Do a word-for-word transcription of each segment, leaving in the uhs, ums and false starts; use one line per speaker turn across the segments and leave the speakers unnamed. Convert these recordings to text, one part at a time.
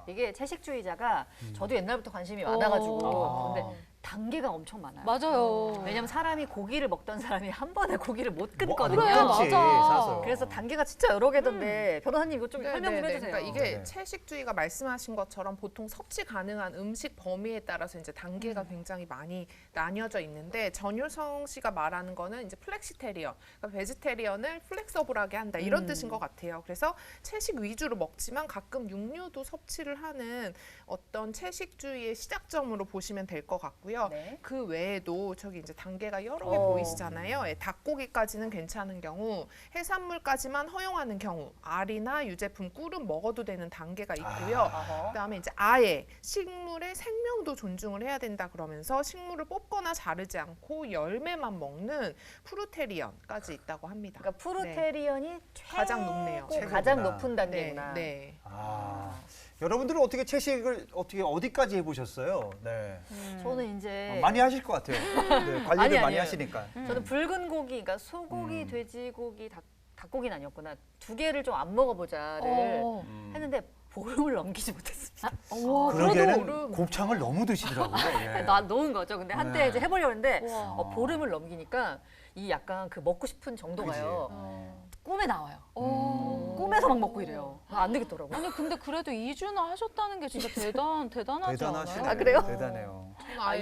이게 채식주의자가
음.
저도 옛날부터 관심이 많아가지고
아.
근데 단계가 엄청 많아요.
맞아요.
왜냐면 사람이 고기를 먹던 사람이 한 번에 고기를 못
뭐,
끊거든요.
그래,
끊지,
맞아.
사서.
그래서 단계가 진짜 여러 개던데 변호사님 이거 좀
네,
설명 좀
네, 네.
해주세요.
그러니까 이게
네.
채식주의가 말씀하신 것처럼 보통 섭취 가능한 음식 범위에 따라서 이제 단계가
음.
굉장히 많이 나뉘어져 있는데 전효성 씨가 말하는 거는 이제 플렉시테리언, 그러니까 베지테리언을 플렉서블하게 한다 이런
음.
뜻인 것 같아요. 그래서 채식 위주로 먹지만 가끔 육류도 섭취를 하는 어떤 채식주의의 시작점으로 보시면 될 것 같고요.
네.
그 외에도 저기 이제 단계가 여러 개
어.
보이시잖아요. 예, 닭고기까지는 괜찮은 경우, 해산물까지만 허용하는 경우, 알이나 유제품, 꿀은 먹어도 되는 단계가 있고요.
어허.
그다음에 이제 아예 식물의 생명도 존중을 해야 된다 그러면서 식물을 뽑거나 자르지 않고 열매만 먹는 프루테리언까지 있다고 합니다.
그러니까 프루테리언이 최고
가장 높네요.
가장
최고구나.
높은 단계구나.
네, 네.
아, 여러분들은 어떻게 채식을 어떻게 어디까지 해보셨어요? 네.
저는 이제
어, 많이 하실 것 같아요. 네, 관리를
아니,
많이
아니에요.
하시니까.
저는 붉은 고기, 그러니까 소고기,
음.
돼지고기, 닭, 닭고기는 아니었구나. 두 개를 좀 안 먹어보자를
어.
음.
했는데 보름을 넘기지 못했습니다.
와,
그러기에는
그래도-
곱창을 너무 드시더라고요. 예.
나 놓은 거죠. 근데 한때
네.
이제 해보려고 했는데
우와.
어, 보름을 넘기니까 이 약간 그 먹고 싶은 정도가요.
어.
꿈에 나와요.
어.
꿈에서 막 먹고 이래요. 아, 안 되겠더라고요.
아니 근데 그래도 이 주나 하셨다는 게 진짜 대단 대단하지
대단하시네요.
않아요?
아, 그래요?
대단해요.
저는 아예
아,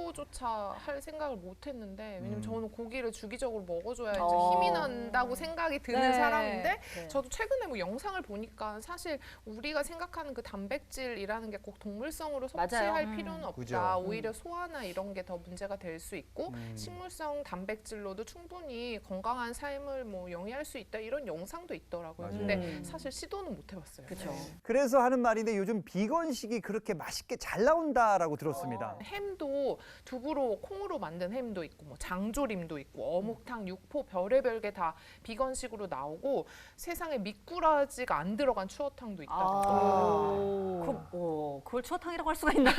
시도조차 할 생각을 못했는데 왜냐면
음.
저는 고기를 주기적으로 먹어줘야
어.
이제 힘이 난다고 생각이 드는
네.
사람인데
네.
저도 최근에 뭐 영상을 보니까 사실 우리가 생각하는 그 단백질이라는 게 꼭 동물성으로 섭취할
맞아요.
음.
필요는 없다.
그죠.
오히려 소화나 이런 게 더 문제가 될 수 있고
음.
식물성 단백질로도 충분히 건강한 삶을 뭐 영위할 수 있다 이런 영상도 있더라고요.
맞아요.
근데
음.
사실 시도는 못 해봤어요.
그쵸.
네.
그래서 하는 말인데 요즘 비건식이 그렇게 맛있게 잘 나온다라고 들었습니다.
햄도 두부로 콩으로 만든 햄도 있고 뭐 장조림도 있고 어묵탕, 육포 별의별 게 다 비건식으로 나오고 세상에 미꾸라지가 안 들어간 추어탕도 있다고.
아, 그, 어, 그걸 추어탕이라고 할 수가 있나요?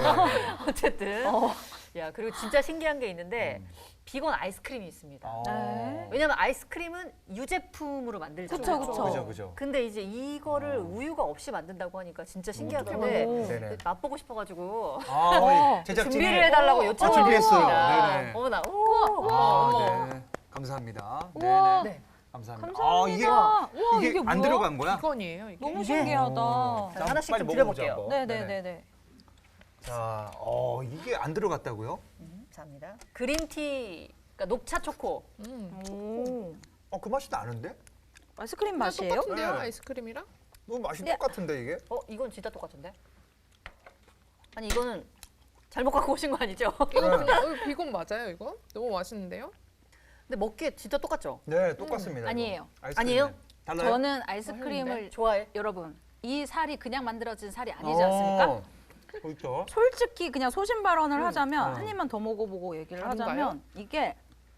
네.
어쨌든. 야, 그리고 진짜 신기한 게 있는데 비건 아이스크림이 있습니다.
어.
네.
왜냐면 아이스크림은 유제품으로 만들잖아요.
그쵸, 그쵸.
그죠, 그죠.
근데 이제 이거를
어.
우유가 없이 만든다고 하니까 진짜
오.
신기하던데
네네.
맛보고 싶어가지고
아,
어.
우리 제작진이
준비를 해달라고
아,
요청을
준비했어요.
했습니다.
네네.
어머나, 오,
아,
어머.
네. 감사합니다.
우와.
네네.
네.
감사합니다.
감사합니다.
아, 이게
우와,
이게,
이게
안
뭐야?
들어간 거야?
비건이에요 이게.
너무
이게-
신기하다.
어.
자, 하나씩
빨리
좀
먹어보자,
드려볼게요.
한번.
네네네네.
자, 어, 이게 안 들어갔다고요?
음, 감사합니다. 그린티, 그러니까 녹차 초코.
음.
오.
어, 그 맛이 나는데?
아이스크림 맛이에요?
똑같은데요
네.
아이스크림이랑?
너무 맛이
네.
똑같은데 이게?
어, 이건 진짜 똑같은데? 아니, 이거는 잘못 갖고 오신 거 아니죠?
이거 그냥 어, 비건 맞아요 이거? 너무 맛있는데요?
근데 먹기에 진짜 똑같죠?
네, 똑같습니다. 이거.
아니에요.
아이스크림은.
아니에요?
달라요?
저는 아이스크림을
좋아해?
여러분 이 살이 그냥 만들어진 살이 아니지 않습니까?
어, 그렇죠.
솔직히 그냥 소신 발언을 하자면
어.
한 입만 더 먹어보고 얘기를
다른가요?
하자면 이게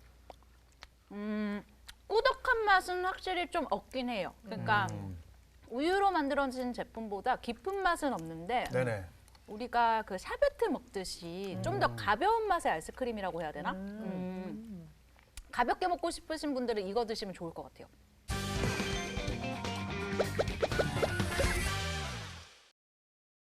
음, 꾸덕한 맛은 확실히 좀 없긴 해요. 그러니까
음,
우유로 만들어진 제품보다 깊은 맛은 없는데
네네.
우리가 그 샤베트 먹듯이 좀 더 가벼운 맛의 아이스크림이라고 해야 되나? 음. 가볍게 먹고 싶으신 분들은 이거 드시면 좋을 것 같아요.